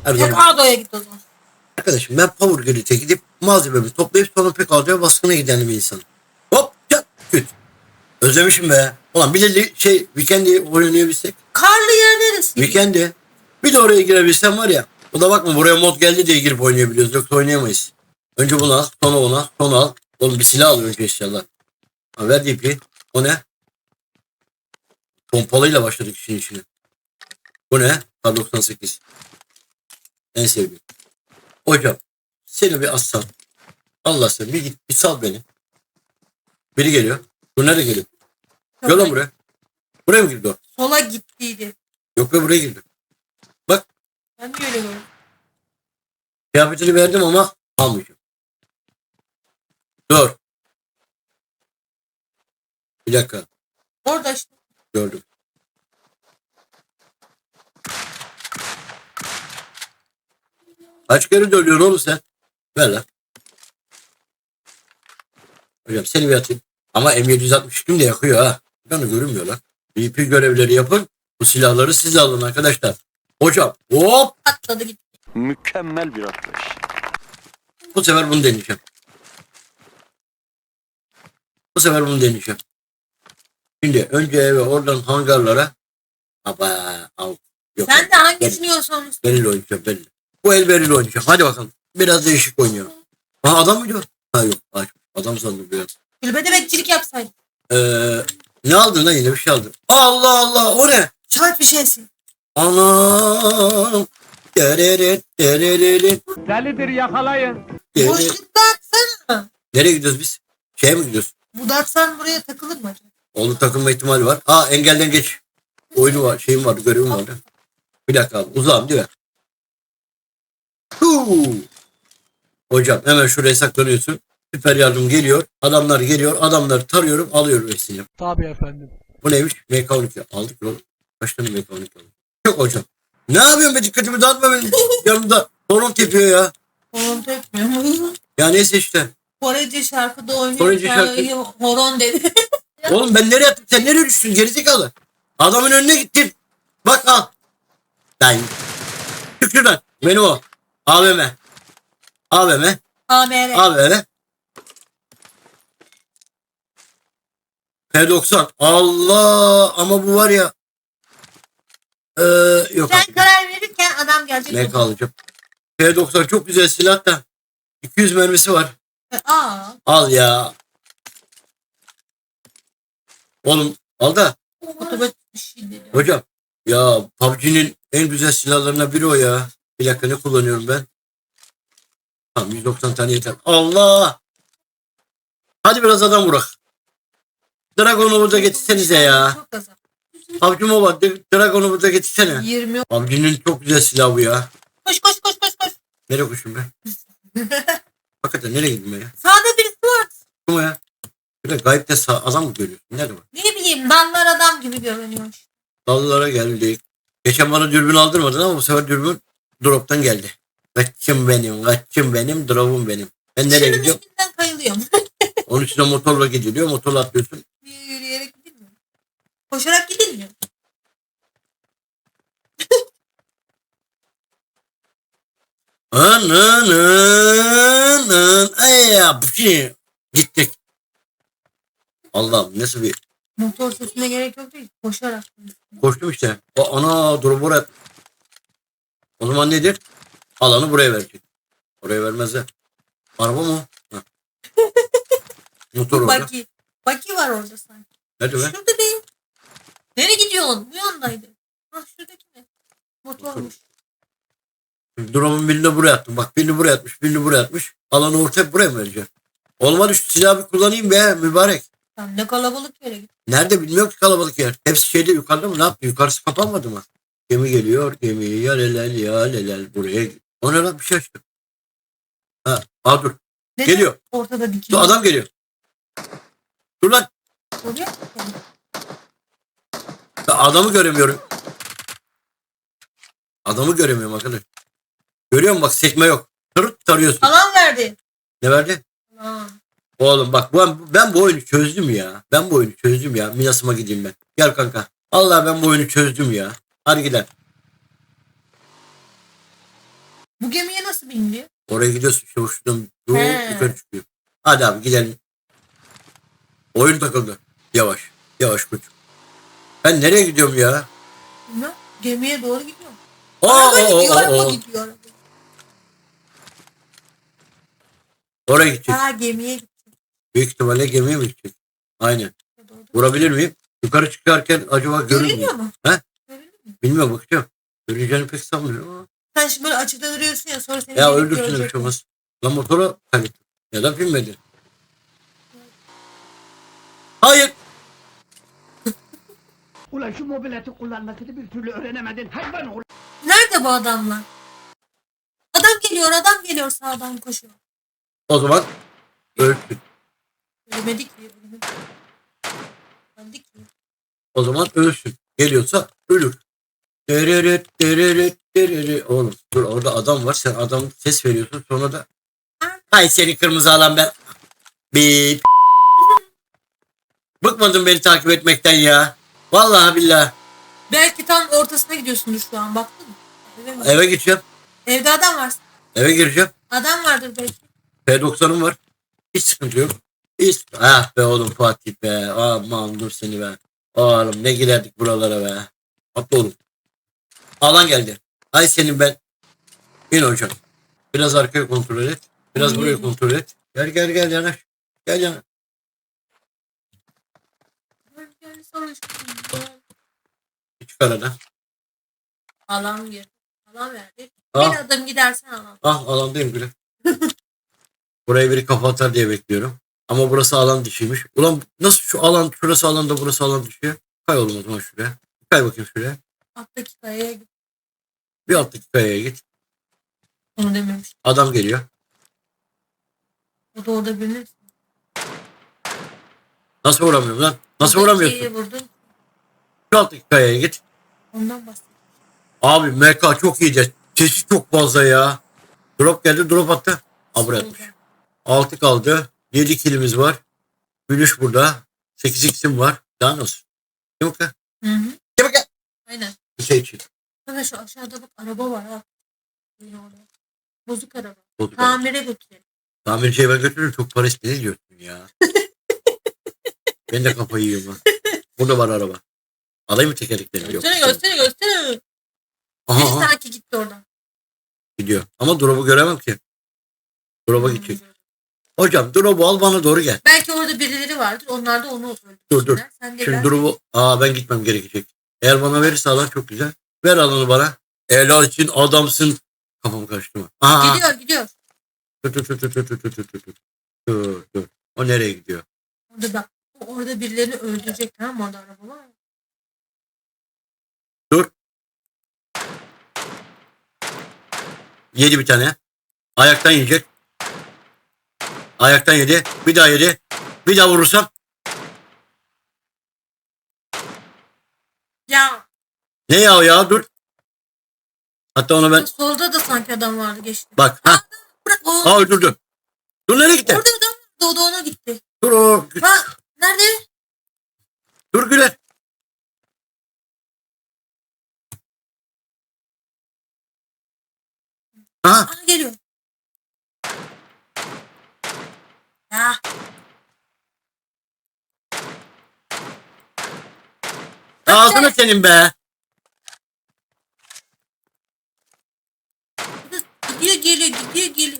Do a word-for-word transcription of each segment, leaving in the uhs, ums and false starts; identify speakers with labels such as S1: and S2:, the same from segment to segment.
S1: Her zaman.
S2: Pekado'ya git o zaman.
S1: Arkadaşım ben Power Grid'e gidip malzememi toplayıp sonra Pekado'ya baskına giden bir insanım. Hop çat küt. Özlemişim be. Ulan bir de şey Weekend'i oynayabilsek.
S2: Karlı yer neresi?
S1: Weekend'i. Bir de oraya girebilsem var ya. O da bakma buraya mod geldi diye girip oynayabiliyoruz. Yoksa oynayamayız. Önce bunu al. Sonra ona. Sonra al. Oğlum bir silah al önce inşallah. Ha, ver D P. O ne? Pompalıyla başladık işin içine. Bu ne? Kar doksan sekiz. En sevdiğim. Hocam seni bir assam. Allah sen bir git bir sal beni. Biri geliyor. Bu nereye geliyor? Gel lan buraya. Buraya mı girdi o?
S2: Sola gittiydi.
S1: Yok be buraya girdi. Bak.
S2: Ben de öyle gördüm.
S1: Kıyafetini verdim ama almayacağım. Dur. Bir dakika.
S2: Orada işte.
S1: Gördüm. Kaç kere dönüyorsun oğlum sen? Ver lan. Hocam seni bir atayım. Ama M yedi altmış iki de yakıyor ha. Yani görünmüyor lan. V P görevleri yapın. Bu silahları siz alın arkadaşlar. Hocam hop.
S2: Atladı gitti.
S3: Mükemmel bir atlayış.
S1: Bu sefer bunu deneyeceğim. Bu sefer bunu deneyeceğim. Şimdi önce eve oradan hangarlara. Aba, al. Yok,
S2: Sen de hangisini
S1: beril,
S2: yiyorsan
S1: beril oynayacağım beril. Bu el beril oynayacağım. Hadi bakalım. Biraz değişik oynuyorum. Ha adam mı diyor? Ha yok. Ay, adam sandım bir an.
S2: kulübede bekçilik yapsaydın.
S1: Ee, ne aldın lan yine bir şey aldın. Allah Allah o ne?
S2: Çarp bir şeysin.
S1: Anam. Dereret dereret.
S3: Delidir yakalayın.
S1: Dere-
S2: Boşlukta atsana.
S1: Nereye gidiyoruz biz? Şeye mi gidiyoruz?
S2: Bu datsan buraya takılır mı acaba?
S1: Oğlum takılma ihtimali var. Aa engelden geç. Oyunu var, şeyim vardı, görevim vardı. Bir dakika abi, uzağım değil mi? Huu. Hocam hemen şuraya saklanıyorsun. Süper yardım geliyor. Adamlar geliyor. Adamları tarıyorum. Alıyorum hepsini.
S3: Tabii efendim.
S1: Bu neymiş? M K on iki. Aldık oğlum. Kaç tane M K on iki aldık? Yok hocam. Ne yapıyorsun be, dikkatimi dağıtma benim. Yanımda horon tepiyor ya.
S2: Horon tepmiyor.
S1: Ya neyse işte.
S2: Korece şarkıda oynuyor.
S1: Korece
S2: Korece
S1: şarkı-
S2: Horon dedi.
S1: Oğlum ben nereye attım? Sen nereye düştün? Gerizekalı. Adamın önüne gittin. Bak al. Lan. Çık şuradan. Benim o. A V M. A V M.
S2: A M R.
S1: A V M. P doksan. Allah. Ama bu var ya. Ee, yok.
S2: Sen karar verirken adam gelecek.
S1: M K alacağım. P doksan çok güzel silah da. iki yüz mermisi var.
S2: Aa.
S1: Al ya. Oğlum al da.
S2: Otobüs bir şey dedi.
S1: Hocam ya P U B G'nin en güzel silahlarından biri o ya. Bir dakika ne kullanıyorum ben? Tamam yüz doksan tane yeter. Allah! Hadi biraz adam vurak. Dragon'u da getirsenize ya.
S2: Çok azap.
S1: P U B G Mobile Dragon'u da getirsene.
S2: yirmi.
S1: P U B G'nin çok güzel silahı bu ya.
S2: Koş koş koş koş koş.
S1: Nereye koşayım ben? Hakikaten nereye gittim ben ya?
S2: Sağda birisi var.
S1: Kim o ya? Bir de gayipte sağ, adam mı görüyorsun? Nerede var?
S2: Ne bileyim dallar adam gibi görünüyor.
S1: Dallara geldik. Geçen bana dürbün aldırmadın ama bu sefer dürbün drop'tan geldi. Kaçım benim, kaçım benim, drop'um benim. Ben nereye
S2: Şunun
S1: gidiyorum?
S2: üstünden kayılıyorum.
S1: Onun için de motorla gidiliyor. Motorla atlıyorsun.
S2: Niye yürüyerek gidilmiyor? Koşarak gidilmiyor.
S1: Ananın ay ya bu şey. Gittik. Allah'ım nasıl bir
S2: Motor sesine gerek yok değil. Koşarak.
S1: koştum işte. O ana dur buraya. O zaman nedir? Alanı buraya verecek. Oraya vermezler. Araba mı? Ha. Motor orada.
S2: Baki. Baki var orada sanki.
S1: Nerede be?
S2: Şurada değil. Nereye gidiyorsun? Bu yandaydı. Ha şuradaki ne? Motormuş.
S1: Drop'un birini buraya attım. Bak birini buraya atmış. Birini buraya atmış. Alanı ortaya buraya mı vereceğim? Olmadı şu silahı bir kullanayım be mübarek.
S2: Tam ne kalabalık yere git.
S1: Nerede bilmiyorum ki kalabalık yer. Hepsi şeyde yukarıda mı? Ne yaptı? Yukarısı kapanmadı mı? Gemi geliyor. Gemi ya lelel ya lelel buraya. O ne lan bir şey açtı. Ha, aa dur.
S2: Neden
S1: Geliyor.
S2: ortada
S1: Dur
S2: dikiliyor?
S1: adam geliyor. Dur lan.
S2: Oraya.
S1: Ben adamı göremiyorum. Adamı göremiyorum arkadaş. Görüyor musun bak sekme yok. Tırıt tarıyorsun.
S2: Alan verdi.
S1: Ne verdi?
S2: Aman.
S1: Oğlum bak ben, ben bu oyunu çözdüm ya. Ben bu oyunu çözdüm ya. Minasıma gideyim ben. Gel kanka. Allah ben bu oyunu çözdüm ya. Hadi gidelim.
S2: Bu gemiye nasıl biniliyor?
S1: Oraya gidiyorsun. İşte şuradan yok,
S2: He.
S1: yukarı çıkıyor. Hadi abi gidelim. Oyun takıldı. Yavaş. Yavaş koç. Ben nereye gidiyorum ya?
S2: Bilmem. Gemiye doğru gidiyor.
S1: Aa,
S2: Araba
S1: aa,
S2: gidiyor,
S1: aa,
S2: araba
S1: aa.
S2: gidiyor. Araba.
S1: Oraya gidecek.
S2: Ha gemiye gidiyor.
S1: Büyük ihtimalle gemiye mi gidecek? Aynen.
S2: Doğru.
S1: Vurabilir miyim? Yukarı çıkarken acaba görür
S2: Görünüyor
S1: müyüm?
S2: mu?
S1: He?
S2: Görünüyor mu?
S1: Bilmiyorum bakacağım. Göreceğini pek sanmıyorum ama.
S2: Sen şimdi böyle açıkta duruyorsun ya sonra seni
S1: Ya
S2: gelip
S1: öldürsün bir
S2: görecek.
S1: şey olmaz. Lan motora kaybettim. Ya da binmedi. Hayır.
S3: Ulan şu mobileti kullanmasını bir türlü öğrenemedin hayvan oğlu.
S2: Nerede bu adamlar? Adam geliyor, adam geliyor sağdan koşuyor.
S1: O zaman ölsün.
S2: Ölemedik ki. Ölemedik. Öldük ki.
S1: O zaman ölsün. Geliyorsa ölür. Dereret, dereret, dereret. Oğlum dur orada adam var. Sen adam ses veriyorsun sonra da. Hay seni kırmızı alan ben. Bip. Bıkmadın beni takip etmekten ya. Vallahi billahi.
S2: Belki tam ortasına gidiyorsundur şu an baktın mı? Eve mi?
S1: Eve gideceğim.
S2: Evde adam var.
S1: Eve gireceğim.
S2: Adam vardır belki.
S1: P doksanım var. Hiç sıkıntı yok. Hiç. Ah be oğlum Fatih be. Aman dur seni be. Oğlum ne girerdik buralara be. Atla oğlum. Alan geldi. Ay senin ben. İn hocam. Biraz arkaya kontrol et. Biraz
S2: İyi.
S1: buraya kontrol et. Gel gel gel yanaş. Gel yanaş.
S2: Gölgeli savaşın.
S1: Çıkar aradan.
S2: Alan gir. Alan verdi.
S1: Ah.
S2: Bir adım gidersen alan.
S1: Ah alandayım bile. Buraya biri kafa atar diye bekliyorum. Ama burası alan dışıymış. Ulan nasıl şu alan şurası alanda burası alan dışı? Kay oğlum o zaman şuraya. Kay bakayım şuraya.
S2: Alttaki kayaya git.
S1: Bir alttaki kayaya git.
S2: Onu dememiş.
S1: Adam geliyor.
S2: O da orada bilinir.
S1: Nasıl vuramıyorum lan? Nasıl vuramıyorsun?
S2: İkiyi vurdun.
S1: Şu alttaki kayaya git.
S2: Ondan bahsediyorum.
S1: Abi M K çok iyice. Sesi çok fazla ya. Drop geldi drop attı. Ha buraya atmış. altı kaldı. yedi kilimiz var. Gülüş burada. sekiz x'im var. Daha nasıl? Kim bakın?
S2: Hı hı.
S1: Kim bakın?
S2: Aynen.
S1: Bir şey için.
S2: Kanka şu aşağıda bak araba var ha. Yine orada. Bozuk araba.
S1: Bozuk araba.
S2: Tamire götürelim.
S1: Tamirciye ben götürürüm. Çok para istedi diyorsun ya. Ben de kafayı yiyorum lan. Burada var araba. Alayım mı tekerleklerini? Yok.
S2: Göstere göstere göstere.
S1: Aha,
S2: Bir
S1: aha,
S2: sanki gitti oradan.
S1: gidiyor. Ama drop'u göremem ki. Drop'a gidecek. Hocam drop'u al bana doğru gel.
S2: Belki orada birileri vardır. Onlar da onu öldürsünler.
S1: Dur, dur.
S2: Sen de
S1: Şimdi
S2: gel.
S1: drop'u... Aa ben gitmem gerekecek. Eğer bana verirse alan çok güzel. Ver alanı bana. Helal için adamsın. Kafamı karıştırma. Aha.
S2: Gidiyor gidiyor.
S1: Dur dur dur dur dur dur dur dur dur. Dur dur. O nereye gidiyor?
S2: Orada bak. O orada birilerini öldürecek tamam mı? Orada araba var.
S1: Dur. Yedi bir tane. Ayaktan yiyecek. Ayaktan yedi. Bir daha yedi. Bir daha vurursam.
S2: Ya.
S1: Ne ya ya dur. Hatta onu ben.
S2: Solda da sanki adam vardı geçti.
S1: Bak. Ha.
S2: Bırak o.
S1: Ha öldürdü. Dur nereye gitti?
S2: Orada adam vardı. O da ona gitti.
S1: Dur o.
S2: Bak. Nerede?
S1: Dur Güler. Aha.
S2: Aha geliyor. Ya.
S1: Ağzını senin be.
S2: Gidiyor geliyor gidiyor geliyor.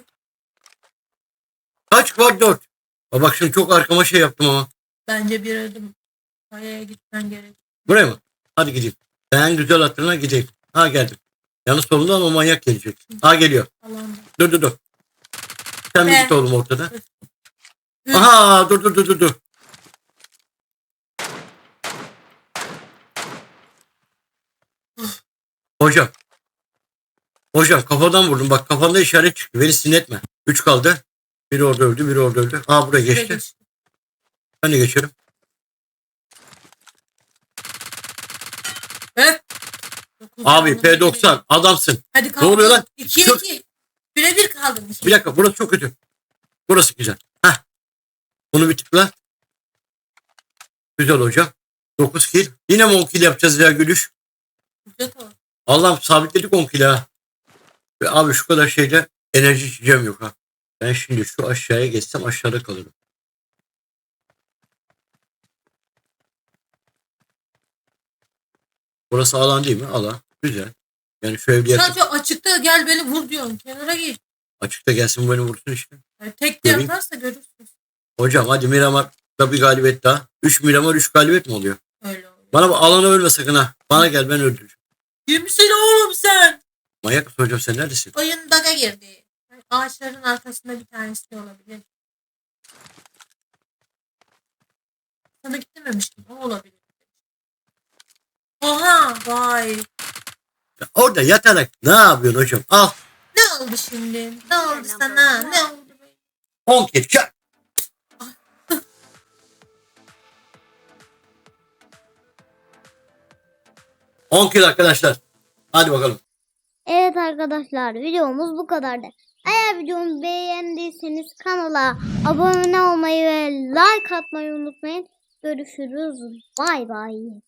S1: Kaç var dört. Aa, bak şimdi çok arkama şey yaptım ama.
S2: Bence bir adım kayaya gitmen gerek.
S1: Buraya mı? Hadi gideyim. Ben güzel hatırına gideyim. Ha geldim. Yalnız solundan o manyak gelecek. Ha geliyor.
S2: Alanda.
S1: Dur dur dur. Sen bir
S2: Be.
S1: git oğlum ortada.
S2: Hı.
S1: Aha dur dur dur dur dur. Hocam. Hocam kafadan vurdum. Bak kafanda işaret çıktı. Beni sinetme. Üç kaldı. Biri orada öldü. Biri orada öldü. Aa buraya geçti.
S2: Geçti.
S1: Ben de geçerim.
S2: Evet. Dokuz
S1: Abi
S2: kaldı.
S1: P doksan adamsın.
S2: Hadi kaldı.
S1: Ne oluyor lan?
S2: ikiye
S1: Şu-
S2: iki. Bire bir kaldı.
S1: Bir dakika burası çok kötü. Burası güzel. Heh. Bunu bir tıkla. Güzel hocam. dokuz kill. Yine mi on kill yapacağız ya gülüş?
S2: Güzel kaldı.
S1: Allah'ım sabitledik on kill ha. Ve abi şu kadar şeyde enerji içeceğim yok ha. Ben şimdi şu aşağıya geçsem aşağıda kalırım. Burası alan değil mi? Alan. Güzel. Yani şu evde yatıp
S2: Sadece açıkta gel beni vur diyorsun. Kenara git.
S1: açıkta gelsin beni vursun işte.
S2: Yani tek de
S1: Göreyim.
S2: yaparsa görürsün.
S1: Hocam hadi Miramar'da bir galibiyet daha. üç Miramar üç galibiyet mi oluyor?
S2: Öyle oluyor.
S1: Bana bak, alana ölme sakın ha. Bana gel, ben öldüreceğim.
S2: Kimsin oğlum sen?
S1: Manyak mısın hocam, sen neredesin?
S2: Oyun bug'a girdi. Ağaçların arkasında bir tanesi de olabilir. Sana gitmemiş gibi. O olabilir. Oha vay.
S1: Ya orada yatarak ne yapıyorsun hocam? Al.
S2: Ne oldu şimdi? Ne oldu sana? Ne oldu?
S1: on kez çak. on kill arkadaşlar. Hadi bakalım.
S4: Evet arkadaşlar, videomuz bu kadardı. Eğer videomu beğendiyseniz kanala abone olmayı ve like atmayı unutmayın. Görüşürüz. Bay bay.